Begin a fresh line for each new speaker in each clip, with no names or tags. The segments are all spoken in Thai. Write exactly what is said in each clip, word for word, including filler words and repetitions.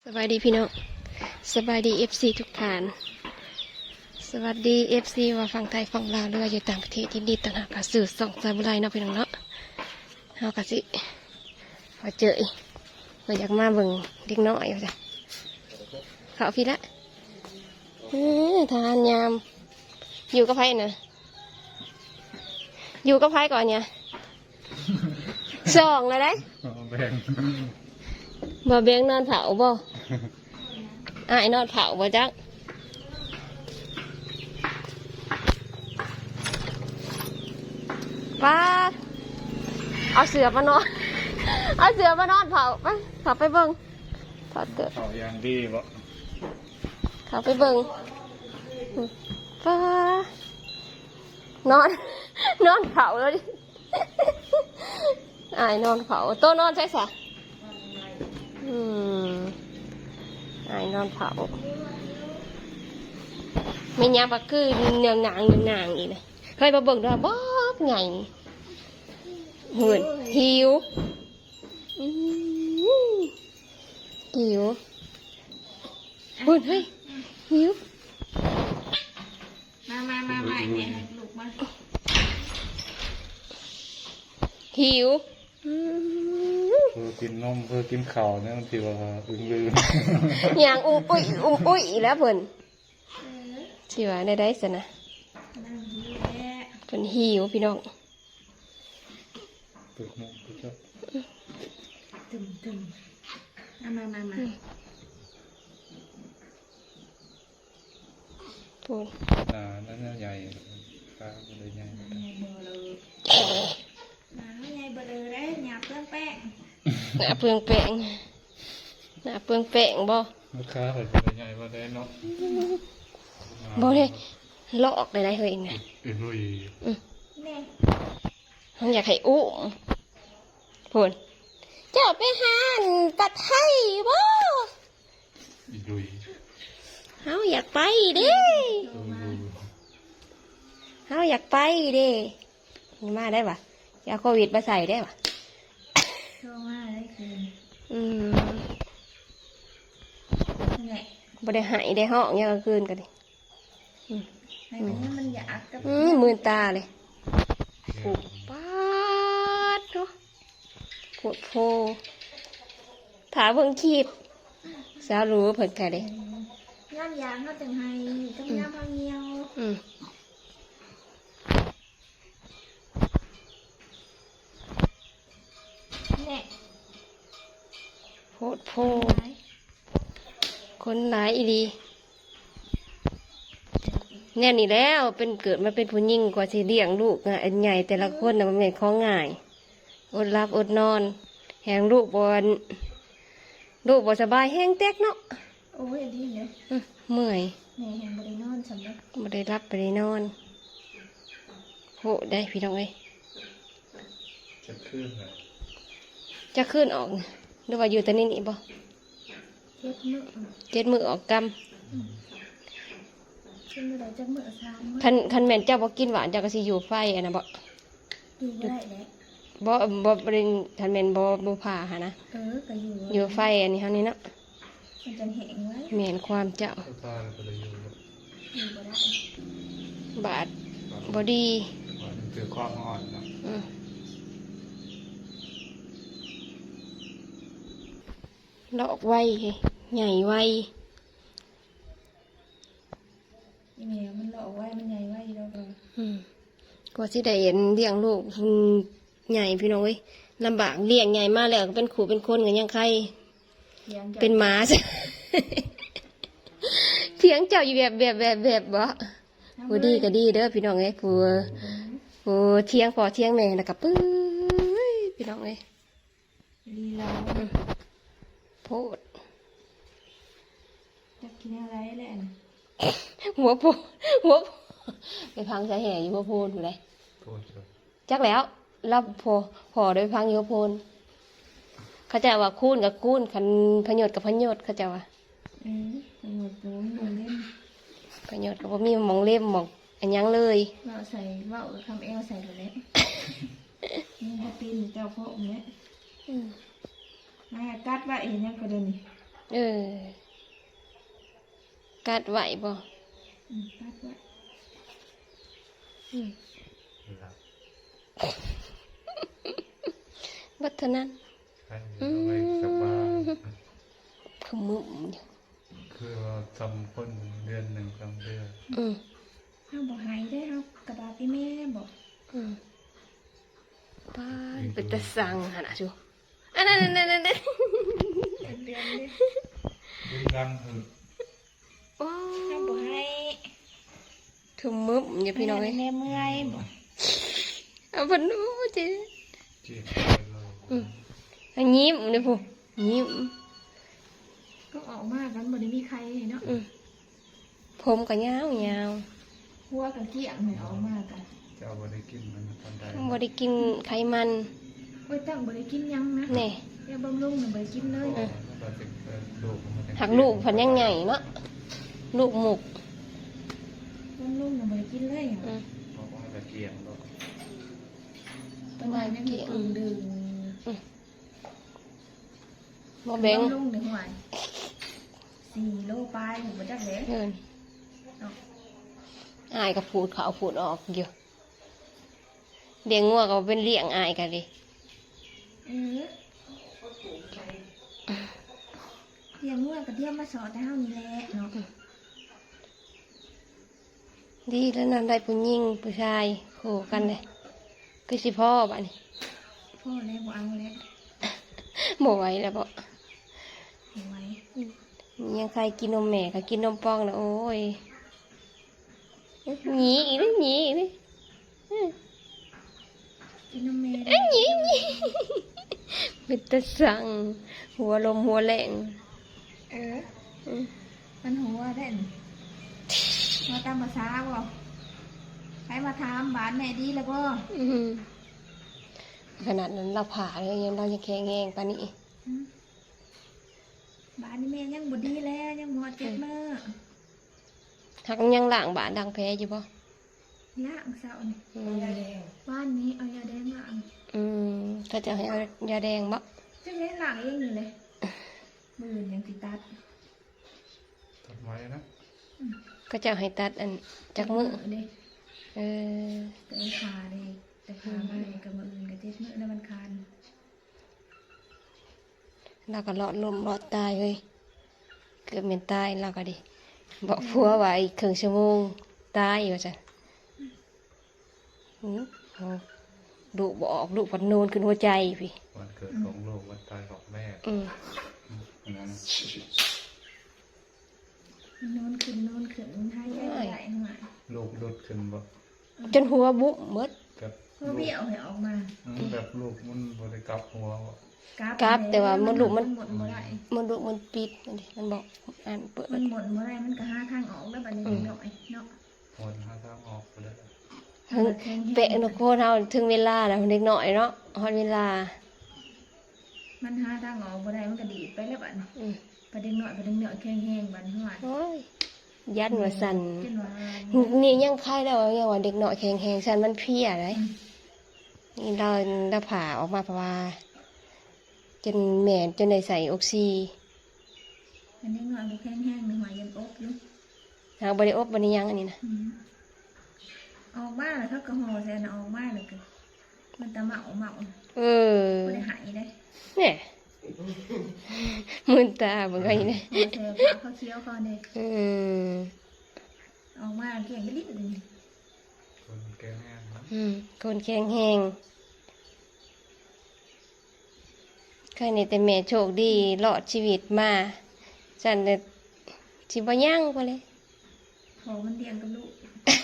บายดีพี่น้องสบายดีเอฟซีทุกท่านสวัสดีเอฟซีว่าฝั่งไทยฝั่งลาวหรือว่าอยู่ต่างประเทศที่ดีต่างหากกับสื่อส่องสายบุไรเนาะพี่น้องเนาะเฮากะสิมาเจออีกมาอยากมาเบิ่งเด็กน้อยว่าจ้ะเขาพี่ละเอ้อทานยามอยู่กับไผน่ะอยู่กับไผก่อนเนี่ยสองเลยได้
แบ่ง
บ่เบียงนอนเผาบ่อ้ายนอนเผาบ่จักป้าเอาเสือมานอนเอาเสือมานอนเผาไปเผาไปเบิ่งถอดเกิด
เขายางดีบ่
เผาไปเบิ่งป้านอนนอนเผาแล้วดิอ้ายนอนเผาโตนอนใช่สะอืมอ้ายนอนเผาไม่ยามก็คือเนืองหนางเนืองหนางอีกเลยเคยมาเบิ่งด้วยบ๊อบไงเหินหิวอืมหิวหุ่นเฮ้ยหิว
มามามามาเนี่ยลูกมา
หิว
เพื่อกินนมเพื่อกินข้าวเนี่ยบางทีว่าอึ้งลืม
อย่างอุ้มอุ้ยอุ้มอุ้ยอีแล้วเพิ่นสิว่าได้ได้สินะเพิ่นหิวพี่น้อง
ตึกนมตึกจ้ะ
ตึมตึมมามามามา
พูด
อ่านั่นใหญ่ปลาเลยใหญ่
ใหญ่เบอร์เลยมาใหญ่เบอร์เลยได้หยาบเปลืองแป้ง
หน้าเปลืองแป้งหน้าเปลืองแป้งบ่
ลูกค้าเห็นเป็นใหญ่มาได้เนาะ
บ่ได้ลอกได้ได้เฮ้ยเนี่ย
อึ้งลุย
แม่
มันอยากให้อุ้มพูดเจ้าไปหาปัดไทยบ่
อึ้งลุย
เฮาอยากไปเด้เฮาอยากไปเด้มาได้ปะจะเอาโควิดมาใส่ได้ปะ
โทรมาได้คืน
อืม
นั่นแหละ
บ่ได้หายได้ห้องยังกลางคืนกันดิ
ให้มันให้มันอยากกับ
อืมมือตาเลยผูกปาดเนาะปวดโพถาเพิ่งคีบสาวรู้เพิ่นแค่เด้
ย่ามยางเขาจังให้ต้องย่ามพังเงียว
อืม
แน่
โพดโพคนหลายอีดีแน่นี่แล้วเป็นเกิดมาเป็นผู้หญิงกว่าสิเลี้ยงลูกอ่ะอันใหญ่แต่ละคนน่ะมันเป็นของง่ายอดรับอดนอนแหงลูกบอนลูกบ่สบายแห้งแตกเนาะ
โอ้ยดีเลย
เมื่อย
แม่แหงบริโนอนสำหรับ
บ่ได้รับบ่ได้นอนโหได้พี่น้องเอ้ย
จะขึ้นเลย
จะขึ้นออกหรือว่าอยู่แต่นี่นี่บ่
เจ็ดมื้อ
เจ็ดมือออกกรรม
ขึ้นมาได้จักมื้อสามมื้อ
คันคันแม่นเจ้าบ่กินหวานเจ้าก็สิอยู่ไฟอันน่ะบ่
อยู่บ่ได้แหละ
บ่บ่บ่ได้คันแม่นบ่บ่ผ่าหานะ
เออก็อยู่
อยู่ไฟอันนี้เฮานี่เนาะ
มันจะแห้งไว้
แม่นความเจ้า
ตาก็เลยอยู่
อยู่บ่ได้
บาดบ่ดี
มันคือความอ่อนเนาะ
อือลอกไวใหญ่ไว
อีแม่มันหลอกไว้มันใหญ่ไว้แล้วก็
อืมกว่าสิได้เห็นเลี้ยงลูกใหญ่พี่น้องเอ้ยลำบากเลี้ยงใหญ่มาแล้วก็เป็นขู่เป็นคนกันยังใครเป็นหมาใช่เถียงเจ้าอยู่แบบแบบแบบแบบบ่ผู้ดีก็ดีเด้อพี่น้องเอ้ยผู้ผู้เถียงพอเถียงแม่แล้วก็ปื้ยพี่น้องเอ้ย
ดีแล้ว
โพด
จะกินอะไรแหละ
หัวโพหัวไปพังสาแห่อยู่หัวโพนอยู่เลยจักแล้วรับพอพอโดยพังอยู่หัวโพนเขาจะว่าคูนกับคูนคันพยศกับพยศเขาจะว่า
อืมพยศตัวมันเล่น
พยศกับว่ามีมองเล่มมองอันยังเลย
ว่าใส่ว่าคำเอวใส่ตัวเล็กนี่ถ้าปีนเจ้าพ่อองค์เนี้ยมากัดว่าเห็นยังกระเด็นนี่
เออกัดไหวบ่
อืมตัดไว้
อืม
หลับ
บัดเท่านั้น
ให้เอาไปกลับบ้าน
ขมึมอยู่
คือว่าทำคนเดือนหนึ่งสองเดือน
อืม
เฮาบ่หายได้เฮากระบาพี่แม่บอก
อืมป้าดเป็นตะสั่งหั่นน่ะจูอันนั้นนั่นนั่นนั่น
เป็นเดือนเลย
ดึงดังหึ
โอ้
เฮาบ่ให้
ขมึมอยู่พี่น้องเอ้ย
แม่เมื่อยบ่
เอาเพิ่นโอ้จิ
เจ็บไปเลย
อืมอันยิ้มนี่พูยิ้ม
ก็ออกมากันบ่ได้มีใครเนาะ
อืมผมก็ยาวยาว
หัวกับเกี้ยงให้ออกมากัน
จะเอาไปได้กินมันตอนใด
บ่ได้กินไขมัน
โอ้ยตั้งบ่ได้กินหยังนะ
แน่
แค่บำรุงน่ะบ่ได้กินเลย
เราจะเกิดลูกมันจะ
หักลูกเพันยังใหญ่เนาะลูกหมุก
บำรุงน่ะบ่ได้กินเลย
อืม
เพราะว่าจะเกี่ยงลูก
ประมาณนั้นมีกึ่งดึง
บ่แบ่ง
บำรุงในหัวสี่โลปลายอยู่บ่จักเด้
เงิน
เนาะ
อายก็พูดเขาพูดออกอยู่เลี้ยงงัวก็เป็นเลี้ยงอายกันเลย
เออเลี้ยงงัวก็เที่ยวมาสอนแต่เฮานี่แหละเนาะ
ดีแล้วนั่นได้ผู้หญิงผู้ชายคู่กันเลยคือสิพ่อบ้านี่
พ่อแล้วบ่เอาแล้ว
บ่ไหวแล้วบ่
เอาไว้
ยังใครกินนมแม่ก็กินนมป้องแล้วโอ้ยหนีอีกเลยหนีอีกเลยอื้อ
กินนมแม่
เอ้ยหนีหนีเป็นตะสั่งหัวลมหัวแรง
เออ
อืม
มันหัวได้นมาตามภาษาบ่ใครมาถามบ้านแม่ดีแล้วบ่
อืมขนาดนั้นเราผ่าเลยยังเรายังแข็งแรงปานนี้
อืมบ้านนี่แม่ยังบ่ดีแล้วยังบ่เจ็บมื้อ
หักยังล้างบาดดังแพ้อยู่ป่ะ
ล้างเสานี่
อืม
บ้านนี้เอายาแดงล้าง
อืมถ้าจะให้เอายาแดงบ่
จังได๋ล้างเองนี่เลยมื้อยังสิตัด
ทำไมนะ
ก็จะให้ตัดอันจากมือ
เด้
เออ
แต่ขาเด้แต่ขามาเด้กับมื้ออื่นก็เจ็บมื้อแล้วมันคาน
เราก็รอดลมรอดตายเลยเกือบเป็นตายเราก็ดิบอกผัวว่าอีกครึ่งชั่วโมงตายอยู่จ้ะอืมเอาลูกบออกลูกพันนูนขึ้นหัวใจพี่
วันเกิดของลูกวันตายของแม่
อืม
อันนั้น
มันนอนขึ้นนอนขึ้นมันหายใจบ่ได้หน่อย
ลูกดุดขึ้นแบบ
จนหัวบุบหมด
กับ
เพื่อเบี้ยวให้ออกมา
อืมแบบลูกมันบริกรับหัวบ่
กราฟแต่ว่ามันลูกมัน
หมดบ่ได้
มันลูกมันปิดนั่นดิมันบอกอ่านเปิด
มันหมดบ่ได้มันก็หาทางออกแล้วบัดนี้เด็กน้อยเนาะ
คนหาทางออกไปเลย
ถึงเปะนกโคเท่าถึงเวลาแล้วเด็กน้อยเนาะฮอดเวลา
มันหาทางออกบ่ได้มันก็ดีดไปแล้วบัดนี้
อืม
ประเด็นน้อยประเด็นน้อยแข็งแห้งบัดนี้ว่า
โอ้ยยันว่าสั่น
จนว่า
นี่ยังไข้แล้วยังว่าเด็กน้อยแข็งแข็งสั่นมันเพลียเลยนี่เราเราผ่าออกมาเพราะว่าจนแม่จนได้ใส่ออกซิ
มันเด็กน้อยบ่แข็งแห้งนี่ว่ายังอกอยู่
หางบริโอบบริยังอันนี้นะ
อืมออกมาแล้วเขาก็ห่อใส่อันออกมาแล้วก็มันตะเมาเมา
เออ
บ่ได้หายได้
เนี่ยมึนตาเหมือนกันนี่นะ
ห่อใส่ผ้าเขาเคี้ยวเขาเด้
อืม
ออกมาเกลี้ยงกระดิบเลย
คนแก่แห้งนะ
อืมคนแข็งแหงใครในแต่แม่โชคดีรอดชีวิตมาฉันเลยชิบย่างไปเลย
พอมันเลี้ยงกับลูก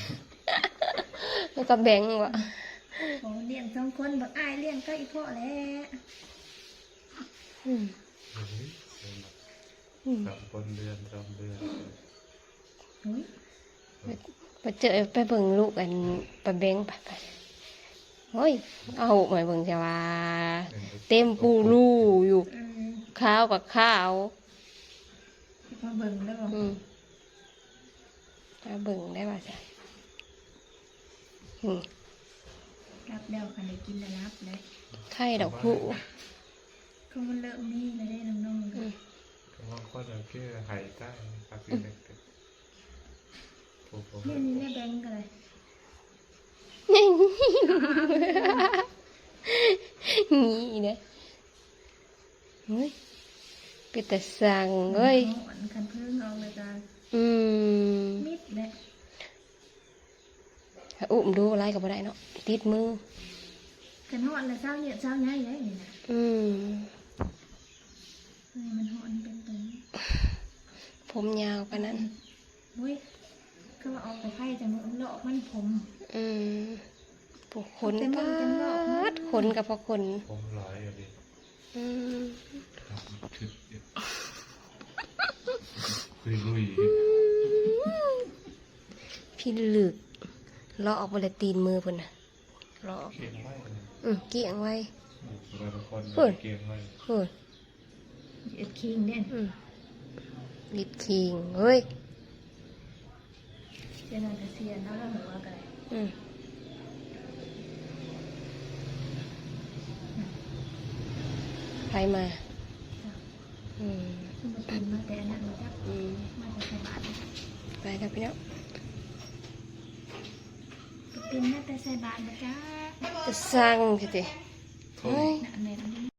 แล้วก็แบ่งวะ
พอมันเลี้ยงสองคนบักอ้ายเลี้ยงก็อีพ่อแหล้ว
อืม
เฮ้ยเป็น
อืม
แบบคนเดือนสองเดือน
โอ้ย
ไปเจอไปเบิ่งลูกกันไปแบ่งไปไปโอ้ยเอาหมายเบิ่งจะว่า เต็มปูรูอยู่
เออ
ข้าวกับข้าว
มาเบิ่งแล้วบ่
อืมเอาเบิ่งได้ป่ะจ๊ะอืม
รับแล้วคันได้กินแล้วรับเลย
ไข่ดอกผู้
เขามันเริ่มมีแล้วได้น้องๆ
อืม
เคบางคนเอาแค่หายใต้ครับพี่เด็กๆผมผม
นี่นี่แบงก์กันเลย
นี่เนี่ยเฮ้ยเป็นแต่สั่งเอ้ย
หอนคันเพิ่งออกเลยจ้า
อืม
มิดเลย
อุ้มดูอะไรกับอะไรเนาะติดมือ
คันหอนเลยเศร้าเหยียดเศร้าใหญ่เลยนี่นะ
อืม
เฮ้ยมันหอนเป็นตัวนี้
ผมยาวปานนั้น
เฮ้ยก็ว่าออกไปไข่จะมือเลาะมันผม
อืมปวกขน
แต่มันจะเลาะมัน
ปาดขนกับพอขน
ผมร้อยอะดิ
อืม
ครับทึบเดียวคุยลุย
พี่ลึกเลาะออกบริตีนมือพุ่นน่ะเลาะออก
เก่งไว้เลย
อืมเกี่ยงไว้
บางคน
เฮ้ย
เก่งไว้
เฮ้ย
เหยียดคิงเนี่ย
อืมลิดคิงเฮ้ย
เจนอนแต่เสียนแล้วเราหัวกันเลย
อืมใครมา อืม
ขึ้นมาตื่นมาแต่อันนั้นมาจับ
อืม
มาแต่ใส่บาตร
ไปแล้วพี่น้อง
ตื่นมาแต่ใส่บาตรนะจ๊ะ
จะสั่งสิเฮ้ย
น่ะเน้น